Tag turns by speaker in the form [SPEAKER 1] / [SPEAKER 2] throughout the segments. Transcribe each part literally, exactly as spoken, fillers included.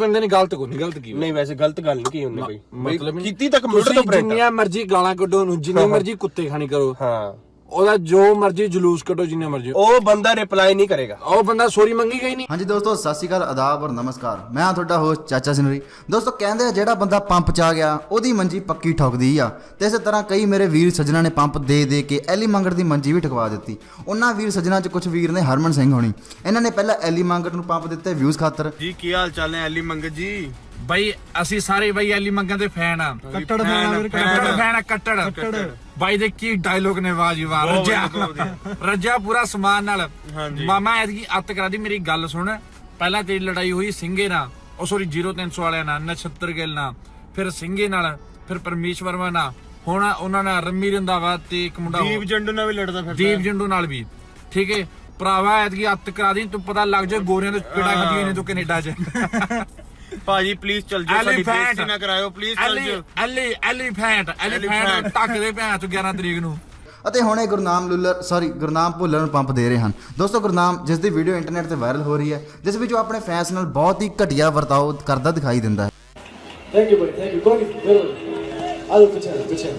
[SPEAKER 1] ਬੰਦੇ ਨੇ ਗਲਤ ਕੋਈ ਨਹੀਂ ਗਲਤ ਕੀ
[SPEAKER 2] ਨਹੀਂ ਵੈਸੇ ਗਲਤ ਗੱਲ ਨਹੀਂ ਕੀ ਉਹਨੇ ਬਈ
[SPEAKER 1] ਮਤਲਬ
[SPEAKER 2] ਕੀਤੀ ਤਾਂ ਕੰਪਿਊਟਰ ਤੋਂ ਪ੍ਰਿੰਟ
[SPEAKER 1] ਜਿੰਨੀਆਂ ਮਰਜ਼ੀ ਗਾਲਾਂ ਕੱਢੋ ਨੂੰ ਜਿੰਨੀ ਮਰਜ਼ੀ ਕੁੱਤੇ ਖਾਣੀ ਕਰੋ
[SPEAKER 2] ਹਾਂ
[SPEAKER 1] ਉਹਦਾ ਜੋ ਮਰਜ਼ੀ ਜਲੂਸ ਕੱਢੋ ਜਿੰਨਾ ਮਰਜ਼ੀ
[SPEAKER 2] ਉਹ ਬੰਦਾ ਰਿਪਲਾਈ ਨਹੀਂ ਕਰੇਗਾ
[SPEAKER 1] ਉਹ ਬੰਦਾ ਸੌਰੀ ਮੰਗੀ ਗਈ ਨਹੀਂ।
[SPEAKER 3] ਹਾਂਜੀ ਦੋਸਤੋ ਸਤਿ ਸ਼੍ਰੀ ਅਕਾਲ ਆਦਾਬ ਔਰ ਨਮਸਕਾਰ ਮੈਂ ਹਾਂ ਤੁਹਾਡਾ ਹੋਸਟ ਚਾਚਾ ਸਿਨਰੀ। ਦੋਸਤੋ ਕਹਿੰਦੇ ਆ ਜਿਹੜਾ ਬੰਦਾ ਪੰਪ 'ਚ ਆ ਗਿਆ ਉਹਦੀ ਮੰਜੀ ਪੱਕੀ ਠੋਕਦੀ ਆ ਤੇ ਇਸੇ ਤਰ੍ਹਾਂ ਕਈ ਮੇਰੇ ਵੀਰ ਸੱਜਣਾ ਨੇ ਪੰਪ ਦੇ ਦੇ ਕੇ ਐਲੀ ਮੰਗਟ ਦੀ ਮੰਜੀ ਵੀ ਠਕਵਾ ਦਿੱਤੀ। ਉਹਨਾਂ ਵੀਰ ਸੱਜਣਾ 'ਚ ਕੁਝ ਵੀਰ ਨੇ ਹਰਮਨ ਸਿੰਘ ਹੋਣੀ ਇਹਨਾਂ ਨੇ ਪਹਿਲਾਂ ਐਲੀ ਮੰਗਟ ਨੂੰ ਪੰਪ ਦਿੱਤੇ ਵਿਊਜ਼ ਖਾਤਰ।
[SPEAKER 4] ਜੀ ਕੀ ਹਾਲ ਚਾਲ ਨੇ ਐਲੀ ਮੰਗਤ ਜੀ?
[SPEAKER 1] ਬਾਈ ਅਸੀਂ ਸਾਰੇ ਬਾਈ ਐਲੀ ਮੰਗਾਂ ਦੇ ਫੈਨ ਆ
[SPEAKER 4] ਕੱਟੜ ਫੈਨ
[SPEAKER 1] ਕੱਟੜ ਫੈਨ ਆ ਕੱਟੜ ਬਾਈ ਦੇ ਕੀ ਡਾਇਲੋਗ ਨੇ ਵਾਹ ਜੀ ਵਾਹ ਰੱਜਿਆ ਰੱਜਿਆ ਪੂਰਾ ਸਮਾਨ ਨਾਲ। ਮਾਮਾ ਐਤਕੀ ਅੱਤ ਕਰਾ ਦੀ ਮੇਰੀ ਗੱਲ ਸੁਣ। ਪਹਿਲਾਂ ਤੇਰੀ ਲੜਾਈ ਹੋਈ ਸਿੰਘੇ ਨਾਲ ਉਹ ਸੋਰੀ ਜ਼ੀਰੋ ਤਿੰਨ ਸੌ ਵਾਲਿਆਂ ਨਾਲ ਨਛੱਤਰ ਗਿੱਲ ਨਾਲ ਫਿਰ ਸਿੰਘੇ ਨਾਲ ਫਿਰ ਪਰਮੇਸ਼ਵਰ ਵਰਮਾ ਨਾਲ ਹੁਣ ਉਹਨਾਂ ਨਾਲ ਰੰਮੀ ਰੰਧਾਵਾ ਤੇ ਇੱਕ ਮੁੰਡਾ
[SPEAKER 4] ਦੀਪ ਜੰਡੂ ਨਾਲ ਵੀ ਲੜਦਾ ਫਿਰਦਾ
[SPEAKER 1] ਦੀਪ ਜੰਡੂ ਨਾਲ ਵੀ ਠੀਕ ਹੈ ਭਰਾਵਾ ਐਤਕੀ ਅੱਤ ਕਰਾ ਦੀ ਤੂੰ ਪਤਾ ਲੱਗ ਜਾ ਗੋਰਿਆਂ ਦੇ ਪੇੜਾ ਖਾਦੀਆਂ ਨੇ ਤੂੰ ਕੈਨੇਡਾ 'ਚ।
[SPEAKER 4] ਭਾਜੀ ਪਲੀਜ਼ ਚੱਲ ਜਾਓ ਸਾਡੀ ਬੇਇੱਜ਼ਤੀ ਨਾ ਕਰਾਇਓ ਪਲੀਜ਼ ਚੱਲ ਜਾਓ।
[SPEAKER 1] ਐਲੀ ਐਲੀਫੈਂਟ ਐਲੀਫੈਂਟ ਟੱਕ ਦੇ ਭੈਣ ਤੂੰ ਗਿਆਰਾਂ ਤਰੀਕ ਨੂੰ।
[SPEAKER 3] ਅਤੇ ਹੁਣ ਇਹ ਗੁਰਨਾਮ ਲੁੱਲਰ ਸੌਰੀ ਗੁਰਨਾਮ ਭੁੱਲਰ ਨੂੰ ਪੰਪ ਦੇ ਰਹੇ ਹਨ। ਦੋਸਤੋ ਗੁਰਨਾਮ ਜਿਸ ਦੀ ਵੀਡੀਓ ਇੰਟਰਨੈਟ ਤੇ ਵਾਇਰਲ ਹੋ ਰਹੀ ਹੈ ਜਿਸ ਵਿੱਚ ਉਹ ਆਪਣੇ ਫੈਨਸ ਨਾਲ ਬਹੁਤ ਹੀ ਘਟੀਆ ਵਰਤਾਓ ਕਰਦਾ ਦਿਖਾਈ ਦਿੰਦਾ ਹੈ।
[SPEAKER 5] ਥੈਂਕ ਯੂ ਬਾਈ ਥੈਂਕ ਯੂ ਕੋਈ ਬਿਲਕੁਲ ਆਲੋ ਪਿੱਛੇ ਪਿੱਛੇ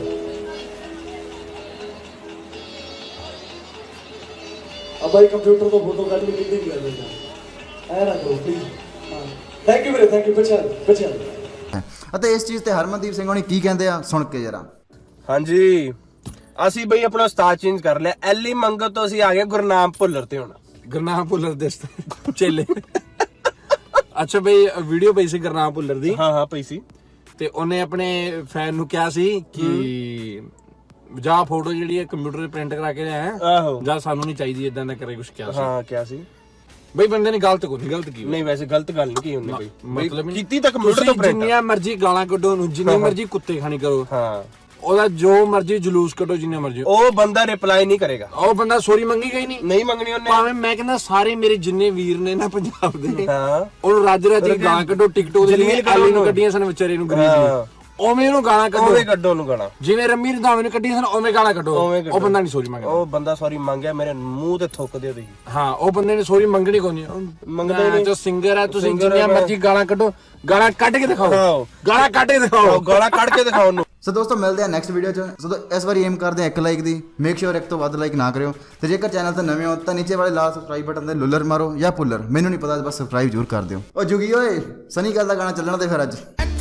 [SPEAKER 5] ਆ ਬਾਈ ਕੰਪਿਊਟਰ ਤੋਂ ਫੋਟੋ ਕੱਢ ਕੇ ਕਿੱਥੇ ਗਿਆ ਬੇਟਾ ਐ ਨਾ ਕਰੋ ਪਲੀਜ਼ ਹਾਂ ਥੈਂਕ ਯੂ ਵੀਰੇ ਥੈਂਕ ਯੂ ਪਿੱਛੇ ਪਿੱਛੇ
[SPEAKER 3] ਅਤੇ ਇਸ ਚੀਜ਼ ਤੇ ਹਰਮਨਦੀਪ ਸਿੰਘ ਹੋਣੀ ਕੀ ਕਹਿੰਦੇ ਆ ਸੁਣ ਕੇ ਜਰਾ।
[SPEAKER 2] ਹਾਂਜੀ ਅਸੀਂ ਬਈ ਆਪਣਾ ਉਸਤਾਦ ਚੇਂਜ ਕਰ ਲਿਆ ਐਲੀ ਮੰਗਤ ਤੋਂ ਅਸੀਂ ਆ ਗਏ ਗੁਰਨਾਮ ਭੁੱਲਰ ਤੇ ਹੁਣ
[SPEAKER 1] ਗੁਰਨਾਮ ਭੁੱਲਰ ਦੇ ਚੇਲੇ। ਅੱਛਾ ਬਈ ਵੀਡੀਓ ਪਈ ਸੀ ਗੁਰਨਾਮ ਭੁੱਲਰ ਦੀ
[SPEAKER 2] ਹਾਂ ਹਾਂ ਪਈ ਸੀ
[SPEAKER 1] ਤੇ ਉਹਨੇ ਆਪਣੇ ਫੈਨ ਨੂੰ ਕਿਹਾ ਸੀ ਕਿ ਜਾ ਫੋਟੋ ਜਿਹੜੀ ਹੈ ਕੰਪਿਊਟਰ ਤੇ ਪ੍ਰਿੰਟ ਕਰਾ ਕੇ ਲਿਆ
[SPEAKER 2] ਆਹੋ
[SPEAKER 1] ਜਾਂ ਸਾਨੂੰ ਨਹੀਂ ਚਾਹੀਦੀ ਇਦਾਂ ਦਾ ਕਰੇ ਕੁਝ ਕਿਹਾ ਸੀ।
[SPEAKER 2] ਹਾਂ ਕਿਹਾ ਸੀ
[SPEAKER 1] ਬਈ ਬੰਦੇ ਨੇ ਗਲਤ ਕੋਈ ਨਹੀਂ ਗਲਤ ਕੀ
[SPEAKER 2] ਨਹੀਂ ਵੈਸੇ ਗਲਤ ਗੱਲ ਨਹੀਂ ਕੀ ਉਹਨੇ ਬਈ
[SPEAKER 1] ਮਤਲਬ
[SPEAKER 2] ਕੀਤੀ ਤਾਂ ਕੰਪਿਊਟਰ ਤੋਂ ਪ੍ਰਿੰਟ
[SPEAKER 1] ਜਿੰਨੀਆਂ ਮਰਜ਼ੀ ਗਾਲਾਂ ਕੱਢੋ ਨੂੰ ਜਿੰਨੀ ਮਰਜ਼ੀ ਕੁੱਤੇ ਖਾਣੀ ਕਰੋ
[SPEAKER 2] ਹਾਂ
[SPEAKER 1] ਉਹਦਾ ਜੋ ਮਰਜ਼ੀ ਜਲੂਸ ਕੱਢੋ ਜਿੰਨਾ ਮਰਜ਼ੀ
[SPEAKER 2] ਉਹ ਬੰਦਾ ਰਿਪਲਾਈ ਨਹੀਂ ਕਰੇਗਾ
[SPEAKER 1] ਉਹ ਬੰਦਾ ਸੌਰੀ ਮੰਗੀ ਗਈ ਨਹੀਂ।
[SPEAKER 2] ਨਹੀਂ ਮੰਗਣੀ ਉਹਨੇ
[SPEAKER 1] ਭਾਵੇਂ ਮੈਂ ਕਹਿੰਦਾ ਸਾਰੇ ਮੇਰੇ ਜਿੰਨੇ ਵੀਰ ਨੇ ਨਾ ਪੰਜਾਬ ਦੇ
[SPEAKER 2] ਹਾਂ
[SPEAKER 1] ਉਹਨੂੰ ਰੱਜ ਰੱਜ ਕੇ ਗਾਲਾਂ ਕੱਢੋ ਟਿਕਟੋਕ ਦੇ ਲਈ ਆਲੀ ਨੂੰ ਕੱਢੀਆਂ ਸਨ ਵਿਚਾਰੇ ਨੂੰ ਗਰੀਬ ਨੂੰ ਉਵੇਂ ਉਹਨੂੰ ਗਾਲਾਂ ਕੱਢੋ
[SPEAKER 2] ਉਹਵੇਂ ਕੱਢੋ ਉਹਨੂੰ ਗਾਲਾਂ
[SPEAKER 1] ਜਿਵੇਂ ਰੰਮੀ ਰੰਧਾਵੇ ਨੂੰ ਕੱਢੀਆਂ ਸਨ ਉਵੇਂ ਗਾਲਾਂ ਕੱਢੋ ਉਹ ਬੰਦਾ ਨਹੀਂ ਸੌਰੀ ਮੰਗਦਾ।
[SPEAKER 2] ਉਹ ਬੰਦਾ ਸੌਰੀ ਮੰਗਿਆ ਮੇਰੇ ਮੂੰਹ ਤੇ ਥੁੱਕ ਦਿਓ ਤੁਸੀਂ।
[SPEAKER 1] ਹਾਂ ਉਹ ਬੰਦੇ ਨੇ ਸੌਰੀ ਮੰਗਣੀ ਕੋਈ ਨਹੀਂ
[SPEAKER 2] ਮੰਗਦੇ ਨਹੀਂ
[SPEAKER 1] ਜੋ ਸਿੰਗਰ ਹੈ ਤੁਸੀਂ ਜਿੰਨੀਆਂ ਮਰਜ਼ੀ ਗਾਲਾਂ ਕੱਢੋ ਗਾਲਾਂ ਕੱਢ ਕੇ ਦਿਖਾਓ ਗਾਲਾਂ ਕੱਢ ਕੇ ਦਿਖਾਓ
[SPEAKER 2] ਗਾਲਾਂ ਕੱਢ ਕੇ ਦਿਖਾਓ ਉਹਨੂੰ।
[SPEAKER 3] ਸੋ ਦੋਸਤੋ ਮਿਲਦੇ ਆ ਨੈਕਸਟ ਵੀਡੀਓ 'ਚ। ਸੋ ਇਸ ਵਾਰੀ ਏਮ ਕਰਦੇ ਆ ਇੱਕ ਲਾਈਕ ਦੀ ਮੇਕ ਸ਼ੋਰ ਇੱਕ ਤੋਂ ਵੱਧ ਲਾਈਕ ਨਾ ਕਰਿਓ ਤੇ ਜੇਕਰ ਚੈਨਲ ਤੇ ਨਵੇਂ ਹੋ ਤਾਂ ਨੀਚੇ ਵਾਲੇ ਲਾਲ ਸਬਸਕ੍ਰਾਈਬ ਬਟਨ ਤੇ ਲੁੱਲਰ ਮਾਰੋ ਜਾਂ ਪੁੱਲਰ ਮੈਨੂੰ ਨਹੀਂ ਪਤਾ ਬਸ ਸਬਸਕ੍ਰਾਈਬ ਜ਼ਰੂਰ ਕਰ ਦਿਓ। ਉਹ ਜੁਗੀ ਓਏ ਸਨੀ ਗੱਲ ਦਾ ਗਾਣਾ ਚੱਲਣਾ ਤੇ ਫਿਰ ਅੱਜ